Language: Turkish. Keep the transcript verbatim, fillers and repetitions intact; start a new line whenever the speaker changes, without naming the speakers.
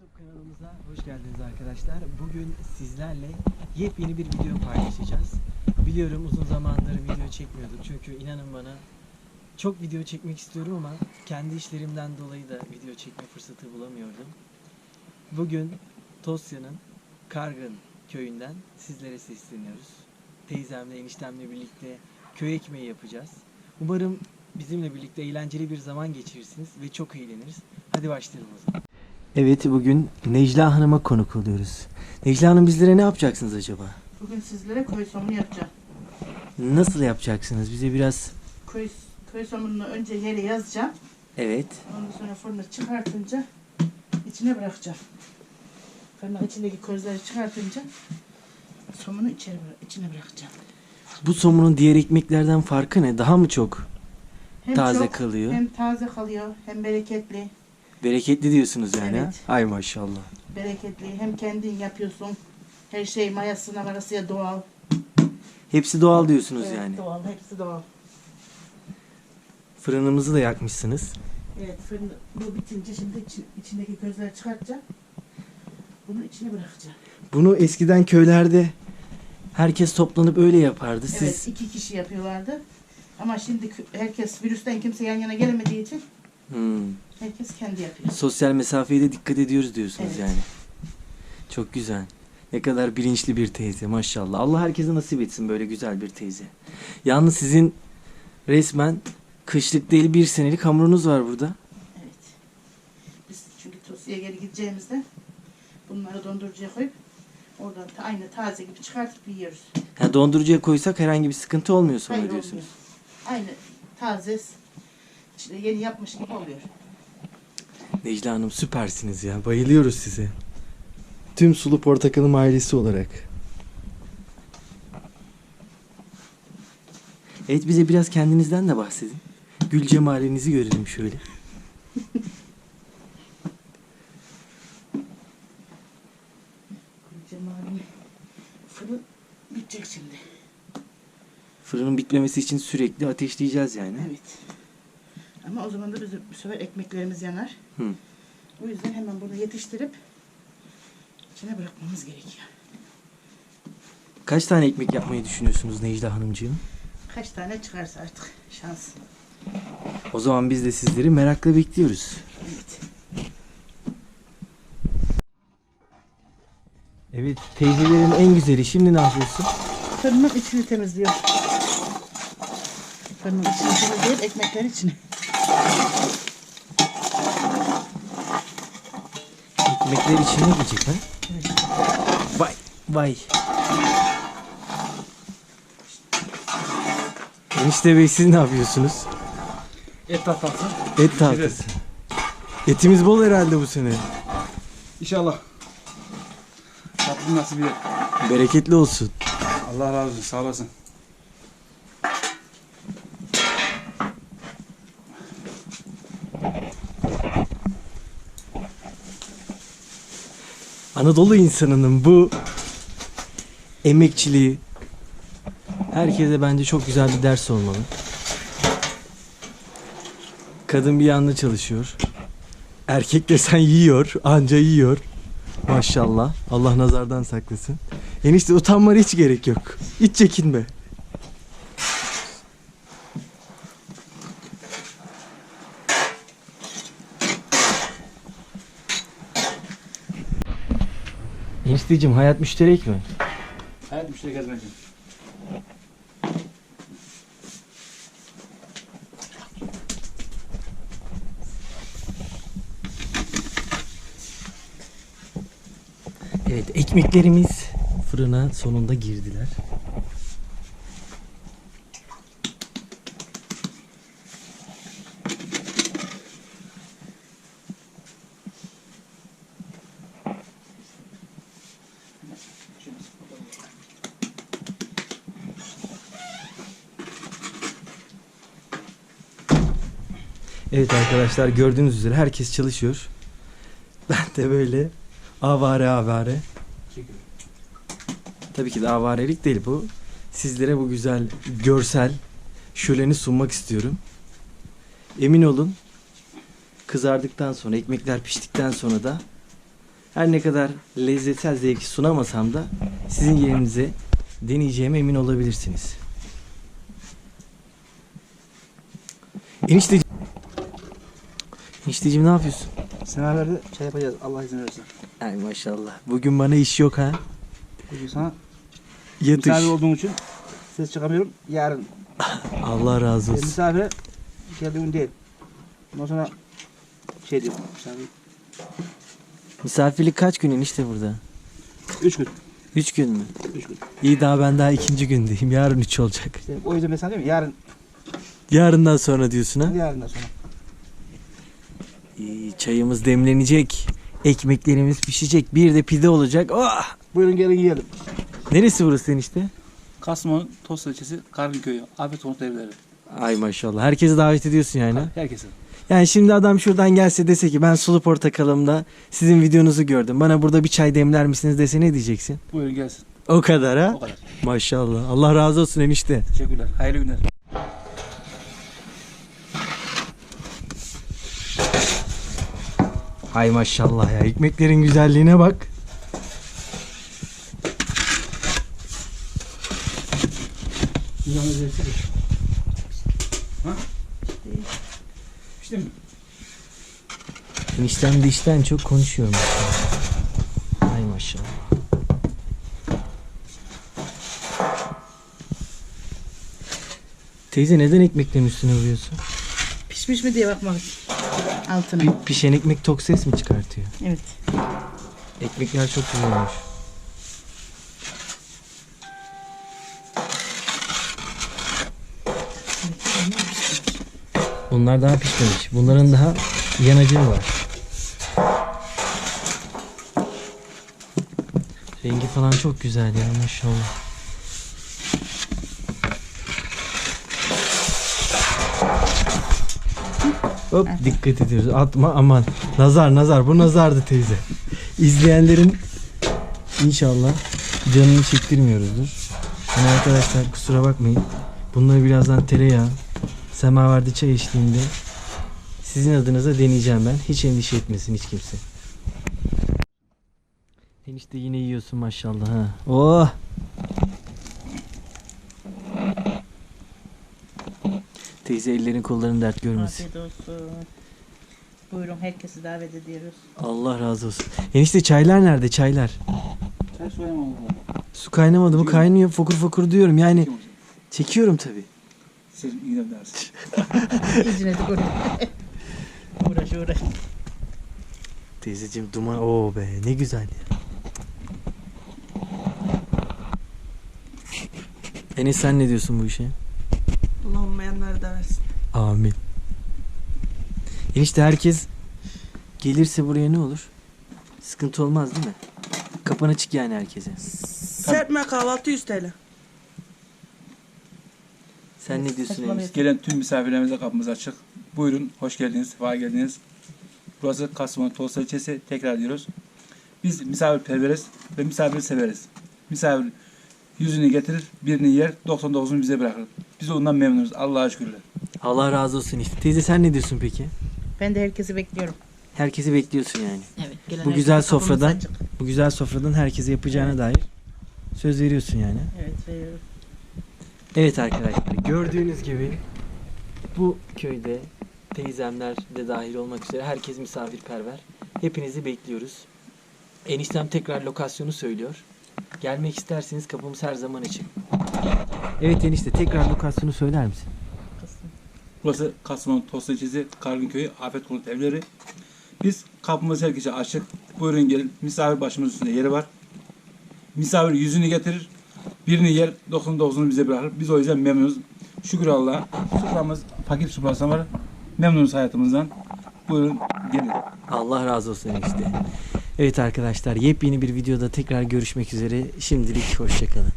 YouTube kanalımıza hoş geldiniz arkadaşlar. Bugün sizlerle yepyeni bir video paylaşacağız. Biliyorum uzun zamandır video çekmiyorduk çünkü inanın bana çok video çekmek istiyorum ama kendi işlerimden dolayı da video çekme fırsatı bulamıyordum. Bugün Tosya'nın Kargın köyünden sizlere sesleniyoruz. Teyzemle, eniştemle birlikte köy ekmeği yapacağız. Umarım bizimle birlikte eğlenceli bir zaman geçirirsiniz ve çok eğleniriz. Hadi başlayalım o zaman. Evet, bugün Necla Hanım'a konuk oluyoruz. Necla Hanım, bizlere ne yapacaksınız acaba?
Bugün sizlere köy somunu yapacağım.
Nasıl yapacaksınız? Bize biraz...
Köy, köy somununu önce yere yazacağım.
Evet.
Ondan sonra fırını çıkartınca içine bırakacağım. Fırının içindeki közleri çıkartınca somunu içeri, içine bırakacağım.
Bu somunun diğer ekmeklerden farkı ne? Daha mı çok
Hem
taze
çok,
kalıyor?
Hem taze kalıyor, hem bereketli.
Bereketli diyorsunuz yani.
Evet.
Ha? Ay maşallah.
Bereketli, hem kendin yapıyorsun. Her şey mayasına varasıya doğal.
Hepsi doğal diyorsunuz
Evet,
yani.
doğal, hepsi doğal.
Fırınımızı da yakmışsınız.
Evet, fırın bu bitince şimdi içi- içindeki közleri çıkartacağım. Bunu içine bırakacağım.
Bunu eskiden köylerde herkes toplanıp öyle yapardı. Siz
Evet, iki kişi yapıyorlardı. Ama şimdi kö- herkes virüsten kimse yan yana gelemediği için
Hmm.
herkes kendi yapıyor.
sosyal mesafeye de dikkat ediyoruz diyorsunuz
Evet.
yani. Çok güzel. Ne kadar bilinçli bir teyze maşallah. Allah herkese nasip etsin böyle güzel bir teyze. Yalnız sizin resmen kışlık değil bir senelik hamurunuz var burada.
Evet. Biz çünkü Tosya'ya geri gideceğimizde bunları dondurucuya koyup oradan ta- aynı taze gibi çıkartıp yiyoruz.
Yani dondurucuya koysak herhangi bir sıkıntı olmuyor sonra
Hayır,
diyorsunuz.
olmuyor. Aynı taze işte yeni yapmış gibi oluyor.
Necla Hanım süpersiniz ya. Bayılıyoruz size. Tüm Sulu Portakalım ailesi olarak. Evet, bize biraz kendinizden de bahsedin. Gül cemalinizi görelim şöyle.
Cemal'in fırın bitecek şimdi.
Fırının bitmemesi için sürekli ateşleyeceğiz yani.
Evet. Ama o zaman da bizim bu sefer ekmeklerimiz yanar.
Hı.
O yüzden hemen bunu yetiştirip içine bırakmamız gerekiyor.
Kaç tane ekmek yapmayı düşünüyorsunuz Necla Hanımcığım?
Kaç tane çıkarsa artık şans.
O zaman biz de sizleri merakla bekliyoruz.
Evet.
Evet, teyzelerin en güzeli. Şimdi ne yapıyorsun?
Fırının içini temizliyor. Fırının içini temizleyip ekmekleri içine.
Ekmekler içine gidecek ha?
Evet.
Vay vay. Enişte Bey, siz ne yapıyorsunuz?
Et tahtası.
Et tahtası. Etimiz bol herhalde bu sene.
İnşallah. Tatlım nasıl bir et.
Bereketli olsun.
Allah razı olsun. Sağ olasın.
Anadolu insanının bu emekçiliği herkese bence çok güzel bir ders olmalı. Kadın bir yanda çalışıyor. Erkek desen yiyor, anca yiyor. Maşallah. Allah nazardan saklasın. Enişte, utanmana hiç gerek yok. Hiç çekinme. Enişteciğim, hayat müşterek mi?
Hayat müşteri gezmeci.
Evet, ekmeklerimiz fırına sonunda girdiler. Evet arkadaşlar, gördüğünüz üzere herkes çalışıyor. Ben de böyle avare avare. Tabii ki de avarelik değil bu. Sizlere bu güzel görsel şöleni sunmak istiyorum. Emin olun, kızardıktan sonra, ekmekler piştikten sonra da Her ne kadar lezzetsel zevki sunamasam da sizin yerinize deneyeceğime emin olabilirsiniz. Enişte Enişteciğim ne yapıyorsun?
Senelerde şey yapacağız. Allah izin verirse.
Ay maşallah. Bugün bana iş yok ha.
Bugün sana
Yatış.
misafir olduğum için ses çıkamıyorum. Yarın
Allah razı
e,
olsun.
misafire geldiğim değil. Ondan sonra şey diyorum. Misafir.
Misafirlik kaç gün enişte burada?
Üç gün.
Üç gün mü?
Üç gün.
İyi, daha ben daha ikinci gündeyim. Yarın üç olacak.
İşte o yüzden ben sana diyorum yarın.
Yarından sonra diyorsun ha?
Yarından sonra.
İyi, çayımız demlenecek. Ekmeklerimiz pişecek. Bir de pide olacak. Oh!
Buyurun gelin yiyelim.
Neresi burası enişte?
Kastamonu Tost ilçesi Kargıköy'ü. Afet Konut Evleri.
Ay maşallah. Herkesi davet ediyorsun yani.
Herkese.
Yani şimdi adam şuradan gelse dese ki ben Sulu Portakalım'da sizin videonuzu gördüm. Bana burada bir çay demler misiniz dese ne diyeceksin?
Buyurun gelsin.
O kadar ha?
O kadar.
Maşallah. Allah razı olsun enişte.
Teşekkürler. Hayırlı günler.
Hay maşallah ya. Ekmeklerin güzelliğine bak.
Yalnız versene. Ha? İşte mi?
Eniştem de işten çok konuşuyormuş. Hay maşallah. Teyze neden ekmeklerin üstüne vuruyorsun?
Pişmiş mi diye bakmak için. Altına.
Pi- pişen ekmek tok ses mi çıkartıyor?
Evet.
Ekmekler çok güzel olmuş. Bunlar daha pişmemiş. Bunların daha yanacağı var. Rengi falan çok güzel ya maşallah. Hop dikkat ediyoruz. Atma aman. Nazar nazar. Bu nazardı teyze. İzleyenlerin inşallah canını çektirmiyoruzdur. Yani arkadaşlar kusura bakmayın. Bunları birazdan tereyağı, semaverde çay eşliğinde sizin adınıza deneyeceğim ben. Hiç endişe etmesin hiç kimse. Enişte yine yiyorsun maşallah ha. Oh! Teyze ellerin kolların dert görmesin.
Afiyet olsun. Buyurun herkesi davet ediyoruz.
Allah razı olsun. Enişte çaylar nerede çaylar?
Sen söyleme oğlum.
Su kaynamadı mı? Kaynıyor fokur fokur diyorum yani.
Kim olsun?
Çekiyorum tabi.
Siz gidelim dersin.
İzine de oraya. Uğraş uğraş.
Teyzeciğim duman o be ne güzel ya. Enes sen ne diyorsun bu işe?
Allah olmayanları da versin.
Amin. Enişte herkes gelirse buraya ne olur? Sıkıntı olmaz değil mi? Kapın açık yani herkese.
Serpme kahvaltı yüz T L.
Sen ne diyorsun
Saçmalama.
enişte?
Gelen tüm misafirlerimize kapımız açık. Buyurun, hoş geldiniz, sefa geldiniz. Burası Kastamonu Tost ilçesi. Tekrar diyoruz. Biz misafirperveriz ve misafiri severiz. Misafir yüzünü getirir, birini yer, doksan dokuzunu bize bırakır. Biz ondan memnunuz. Allah'a şükürler.
Allah razı olsun işte. Teyze sen ne diyorsun peki?
Ben de herkesi bekliyorum.
Herkesi bekliyorsun yani.
Evet. Gelen
Bu güzel
herkese kapımız
sofradan,
açık.
bu güzel sofradan herkese yapacağına dair söz veriyorsun yani.
Evet veriyorum.
Evet arkadaşlar gördüğünüz gibi bu köyde teyzemler de dahil olmak üzere herkes misafirperver. Hepinizi bekliyoruz. Eniştem tekrar lokasyonu söylüyor. Gelmek isterseniz kapımız her zaman açık. Evet enişte tekrar lokasyonu söyler misin?
Kızım.
Burası Kastamonu Tost ilçesi Kargıköy'ü Afet Konut Evleri. Biz kapımız herkese açık. Buyurun gelin. Misafir başımızın üstünde yeri var. Misafir yüzünü getirir. Birini yer, doksan dokuzunu bize bırakır. Biz o yüzden memnunuz. Şükür Allah'a. Soframız fakir sofrası var. Memnunuz hayatımızdan. Buyurun gelin.
Allah razı olsun enişte. Evet arkadaşlar yepyeni bir videoda tekrar görüşmek üzere. Şimdilik hoşçakalın.